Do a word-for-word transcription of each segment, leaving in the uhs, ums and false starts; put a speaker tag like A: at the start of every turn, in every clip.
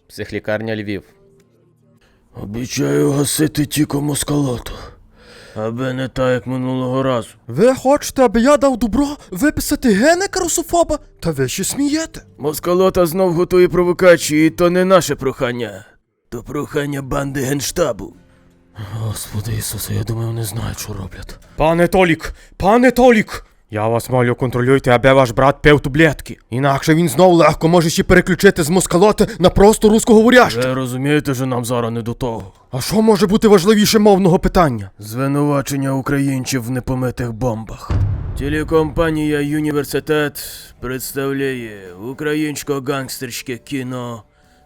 A: Психлікарня Львів.
B: Обіцяю гасити тільки москалоту. Аби не так, як минулого разу.
C: Ви хочете, аби я дав добро виписати генека русофоба? Та ви ще смієте.
B: Москалота знов готує провокації, і то не наше прохання. То прохання банди Генштабу. Господи Ісусе, я думаю, вони знають, що роблять.
C: Пане Толік, пане Толік! Я вас молю, контролюйте, аби ваш брат пив таблетки. Інакше він знов легко може ще переключити з москалоти на просто русскоговорящих.
B: Ви розумієте, що нам зараз не до того.
C: А що може бути важливіше мовного питання?
B: Звинувачення українців в непомитих бомбах. Телекомпанія «Юніверситет» представляє українсько-гангстерське кіно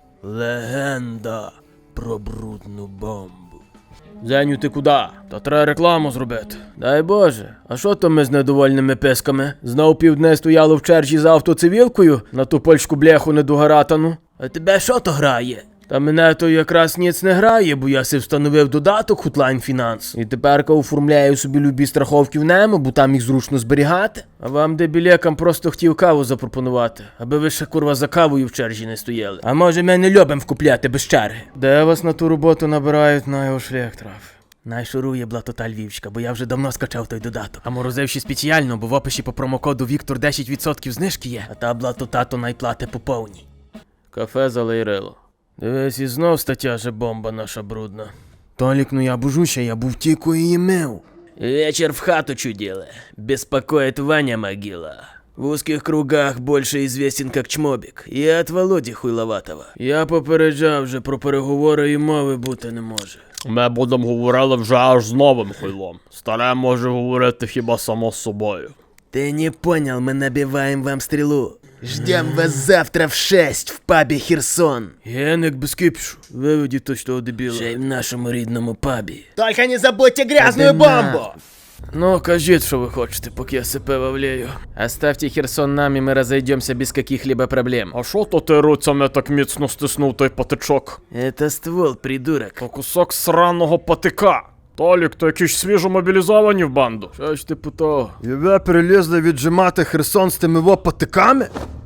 B: «Легенда про брудну бомбу». Зеню, ти куди? Та треба рекламу зробити. Дай Боже, а що то ми з недовольними писками? Знов півдня стояло в черзі за автоцивілкою на ту польську бляху недогаратану? А тебе що то грає? Та мене то якраз ніц не грає, бо я си встановив додаток Hotline Finance. І теперка оформляю собі любі страховки в нему, бо там їх зручно зберігати. А вам, дебілякам, просто хотів каву запропонувати, аби ви ще, курва, за кавою в черзі не стояли. А може ми не любим вкупляти без черги? Де вас на ту роботу набирають, на його шлях трав. Найшурує блатота Львівська, бо я вже давно скачав той додаток. А морозив ще спеціально, бо в описі по промокоду Віктор десять відсотків знижки є. А та блатота то найплати по повній. Кафе залейрило. Дивись, і знов стаття же бомба наша брудна. Толік, ну я божуся, я був тільки її мив. Вечер в хату чудила. Беспокоит Ваня Могила. В узких кругах больше известен как Чмобік. І от Володі Хуйловатого. Я попереджав вже, про переговори і мови бути не може.
D: Ми будемо говорити вже аж з новим хуйлом. Старе може говорити хіба само з собою.
B: Ты не понял, мы набиваем вам стрелу. Ждем вас завтра в шесть в пабі Херсон. Генек без кипішу. Виведіть точного дебіла. Ще й в нашому рідному пабі.
C: Только не забудьте грязную бомбу!
B: Ну, кажіть, що ви хочете, поки я себе вавляю.
A: Оставьте Херсон нам, и мы разойдемся без каких-либо проблем.
D: А що то ти руцями так міцно стиснув той патичок?
B: Это ствол, придурок.
D: То кусок сраного патика. Толік, то якісь свіжо мобілізовані в банду.
B: Що ж ти путав?
C: І ви прилізли віджимати Херсон з тими вопатиками?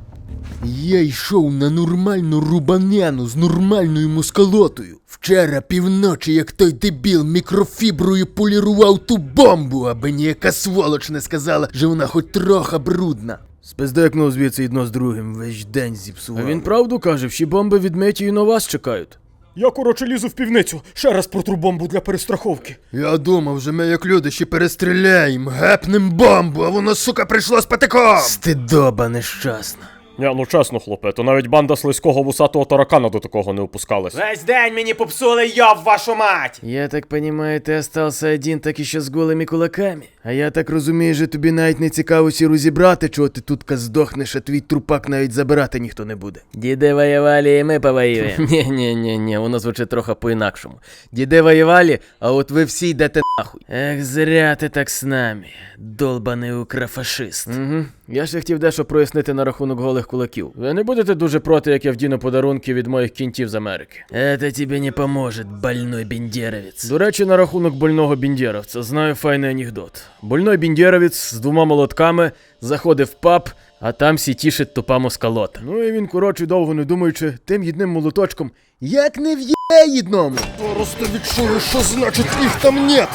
C: Я йшов на нормальну рубанену з нормальною москалотою. Вчора півночі, як той дебіл, мікрофіброю полірував ту бомбу, аби ніяка сволоч не сказала, що вона хоч трохи брудна.
B: Спиздекнув звідси одно з другим, весь день зіпсував. А він правду каже, всі бомби відмиті і на вас чекають.
C: Я, короче, лізу в півницю, ще раз протру бомбу для перестраховки. Я думав, що ми як люди ще перестріляємо, гепнем бомбу, а воно, сука, прийшло з патиком!
B: Стидоба нещасна.
D: Ні, ну чесно, хлопе, то навіть банда слизького вусатого таракана до такого не опускалась.
C: Весь день мені попсули, йоб вашу мать!
B: Я так понимаю, ти остався один, так і ще з голими кулаками. А я так розумію, що тобі навіть не цікаво сі розібрати, чого ти тут здохнеш, а твій трупак навіть забирати ніхто не буде. Діди воювали, і ми повоюємо. Ні-ні-ні, воно звучить трохи по-інакшому. Діди воювали, а от ви всі йдете нахуй. Ех, зря ти так з нами, долбаний укрофашист. Угу. Я ще хотів дещо прояснити на рахунок голих кулаків. Ви не будете дуже проти, як я вдіну подарунки від моїх кінтів з Америки? Это тебе не поможет, больной бендєровець. До речі, на рахунок больного бендєровця знаю файний анекдот. Больной бендєровець з двома молотками заходив в паб, а там сі тішить тупа москалота. Ну і він, коротше, довго не думаючи, тим єдним молоточком, як не в'є єдному.
C: Просто відчую, що значить їх там нет.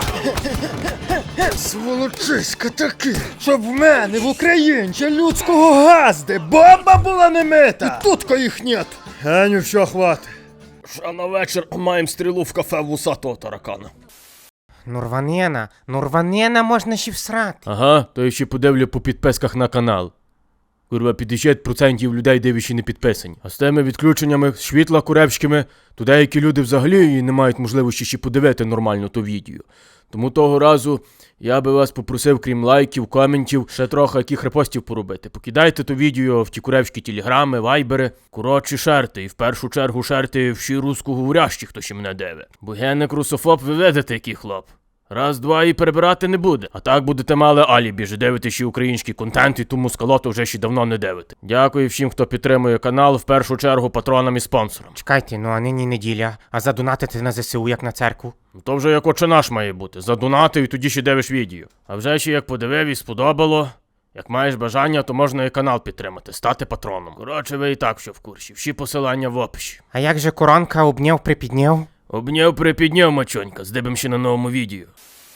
C: Сволочиська таки, щоб в мене в Українці людського газди бомба була не мита. І тутка їх нет. Геню, що хвати.
D: Ще на вечір маємо стрілу в кафе вусатого таракана.
E: Нурванена, Нурванена можна ще всрати.
B: Ага, то я ще подивлю по підписках на канал. Курва, п'ятдесят відсотків людей дивиші не підписані. А з тими відключеннями світла куревськими, то деякі люди взагалі не мають можливості ще подивити нормально то відео. Тому того разу я би вас попросив, крім лайків, коментів, ще трохи яких репостів поробити. Покидайте то відео в ті куревські телеграми, вайбери, коротше шерти. І в першу чергу шерти всі русскоговорящі, хто ще мене дивить. Бо генек русофоб, ви видите, який хлоп. Раз, два і перебирати не буде. А так будете мали алібі, що дивите ще український контент, і тому скалоту вже ще давно не дивите. Дякую всім, хто підтримує канал, в першу чергу патронам і спонсорам.
E: Чекайте, ну а нині неділя, а задонатити на ЗСУ як на церкву?
B: Ну то вже як отче наш має бути. Задонати і тоді ще дивиш відео. А вже ще як подивив і сподобало,
D: Як маєш бажання, то можна і канал підтримати, стати патроном.
B: Коротше, ви і так що в курсі. Всі посилання в описі.
E: А як же коронка обняв припідняв?
B: Обняв припідняв, мачонька, здибем ще на новому відео.